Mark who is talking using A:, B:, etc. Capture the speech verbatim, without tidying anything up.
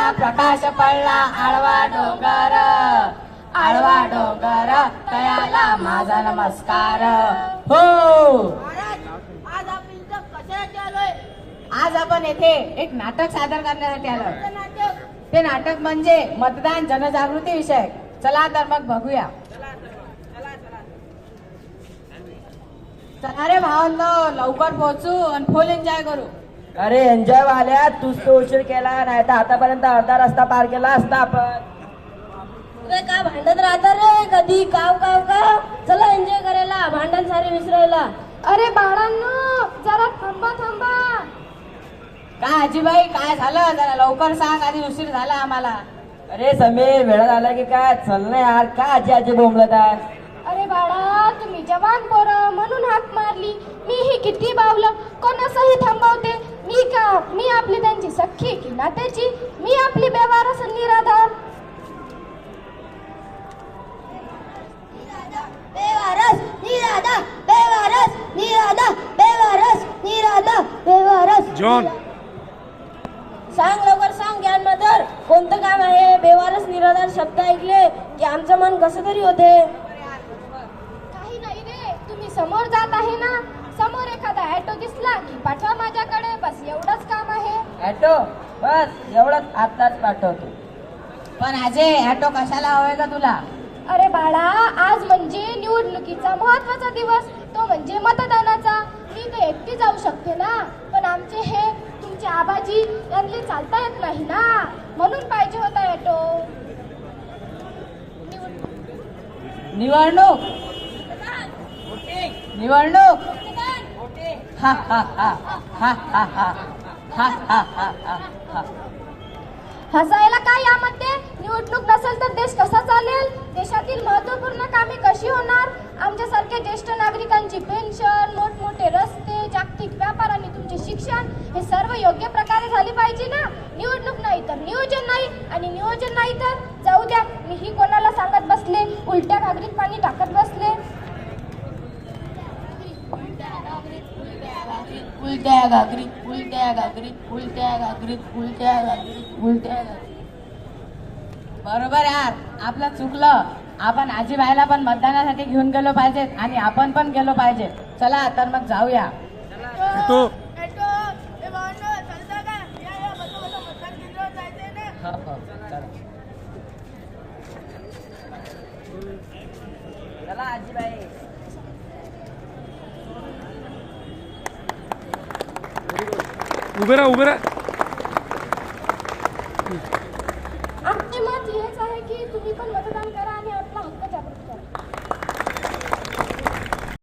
A: आला प्रकाश पडला आळवा डोंगर, आळवा डोंगर तयाला माझा नमस्कार. हो
B: आज आपण इथं कशासाठी आलोय?
A: आज आपण येथे एक नाटक सादर करण्यासाठी आलो.
B: कोणतं नाटक?
A: ते नाटक म्हणजे मतदान जनजागृती विषयक. चला तर मग बघूया. चला रे भावांनो, लवकर पोहोचू आणि फुल एन्जॉय करू.
C: अरे एन्जॉय वाल्या, तूच तो उशीर केला, नाही तर आतापर्यंत अर्धा रस्ता पार केला असता आपण.
B: रे का भांडत राहता रे कधी काव काव काव. चला एन्जॉय करायला, भांडण सारे विसरायला.
D: अरे बाळांनो जरा थांबा थांबा.
A: काय आजीबाई, काय झालं? जरा लवकर सांग, आधी उशीर झाला आम्हाला.
C: अरे समीर, वेळ झाला की काय? चल ना यार, का आजी आजी बोंबलत आहे?
D: अरे बाळा तुम्ही जवान पोरं म्हणून हाक मारली. मी ही किती बावलं, कोणासही थांबवते. मी का मी आपली त्यांची सख्खी की नात्याची? मी आपली बेवारस निराधार.
B: बेवारस निराधा, बेवारस निराधा, बेवारस निराधा, बेवारस.
E: जॉन
B: सांग लवकर सांग ज्ञान मदर, कोणतं काम आहे? बेवारस निराधार शब्द ऐकले की आमचं मन कसं तरी होते.
D: काही नाही रे, तुम्ही समोर जात आहे ना, समोर एखादा ऑटो दिसला की पाठवा माझ्याकडे. बस एवढंच काम आहे.
C: ॲटो? बस एवढंच, आताच पाठवतो.
A: पण आजे, ऑटो कशाला हवंय का तुला?
D: अरे बाळा, आज म्हणजे निवडणुकीचा महत्वाचा दिवस, तो म्हणजे मतदानाचा. मी तर एकटी जाऊ शकते ना, पण आमचे हे तुमचे आबाजी यांना चालता येत नाही ना, म्हणून पाहिजे होता ऑटो.
A: निवडणूक निवडणूक हा हा हा हा हा हा हा हा हा हा हा.
D: हसायला काय यामध्ये? निवडणूक नसेल तर देश कसा चालेल? देशातील महत्त्वपूर्ण कामे कशी होणार? आमच्यासारख्या ज्येष्ठ नागरिकांची पेन्शन, मोठमोठे रस्ते, जागतिक व्यापार आणि तुमचे शिक्षण हे सर्व योग्य प्रकारे झाले पाहिजे ना. निवडणूक नाही तर नियोजन नाही, आणि नियोजन नाही तर जाऊ द्या. मीही कोणाला सांगत बसले, उलट्या घागरीत पाणी टाकत बसले.
A: उलट्या घागरीत उलट्या घागरीत उलट्या घागरीत उलट्या घागरीत उलट्या घागरीत. बरोबर यार, आपलं चुकलं. आपण आजीबाईला पण मतदानासाठी घेऊन गेलो पाहिजेत आणि आपण पण गेलो पाहिजे. चला तर मग जाऊया.
E: तो
A: हो, हो, चला.
C: चला आजीबाई.
E: उभे राहा उभे राहा.
D: आमचे मत हेच आहे की तुम्ही पण मतदान करा.